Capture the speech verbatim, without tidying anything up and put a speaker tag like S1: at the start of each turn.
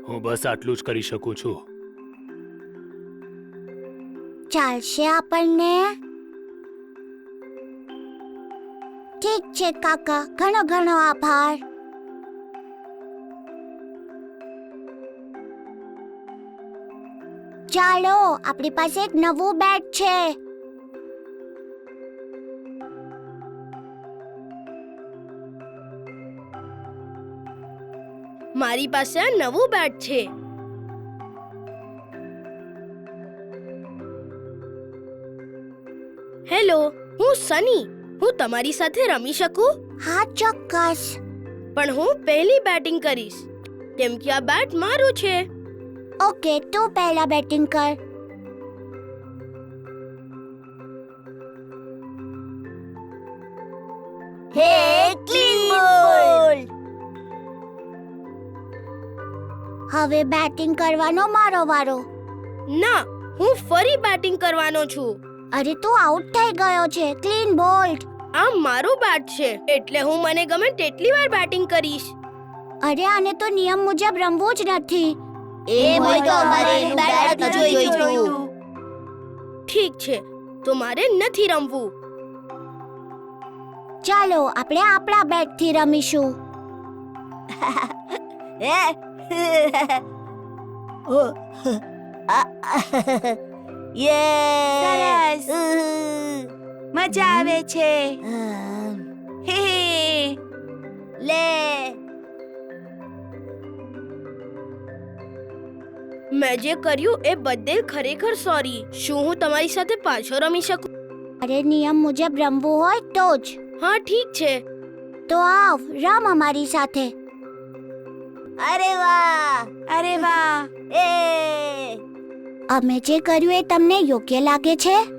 S1: હું બસ આટલું જ કરી શકું છું.
S2: ચાલશે આપણને? ઠીક છે કાકા, ઘણો ઘણો આભાર. ચાલો, આપણી પાસે એક નવું બેટ છે.
S3: મારી પાસે આ નવું બેટ છે. હેલો, હું સની. હું તમારી સાથે રમી શકું?
S2: હા ચોક્કસ.
S3: પણ હું પહેલી બેટિંગ કરીશ કેમ કે આ બેટ મારું છે.
S2: ઓકે, તું પહેલા બેટિંગ કર.
S3: હે ક્લીન બોલ.
S2: હવે બેટિંગ કરવાનો મારો વારો.
S3: ના, હું ફરી બેટિંગ કરવાનો છું.
S2: અરે તું આઉટ થઈ ગયો છે. Clean bold.
S3: આ મારું બેટ છે એટલે હું મને ગમે તેટલી વાર બેટિંગ કરીશ.
S2: અરે આને તો નિયમ મુજબ રમવું જ નથી.
S4: એમ હોય તો અમારે એનું બેટ નથી જોઈતું.
S3: ઠીક છે, તો મારે નથી રમવું.
S2: ચાલો આપણે આપણા બેટથી રમીશું.
S4: યે
S5: સરસ. મજા આવે છે. હે હે.
S4: લે
S3: મેં જે કર્યું એ બદલ ખરેખર સોરી. શું હું તમારી સાથે પાછો રમી શકું?
S2: અરે નિયમ મુજબ રમવું હોય તો જ.
S3: હા ઠીક છે.
S2: તો આવ, રમ અમારી સાથે.
S4: અરે વાહ
S5: અરે વાહ.
S4: એ
S2: અમે જે કર્યું એ તમને યોગ્ય લાગે છે?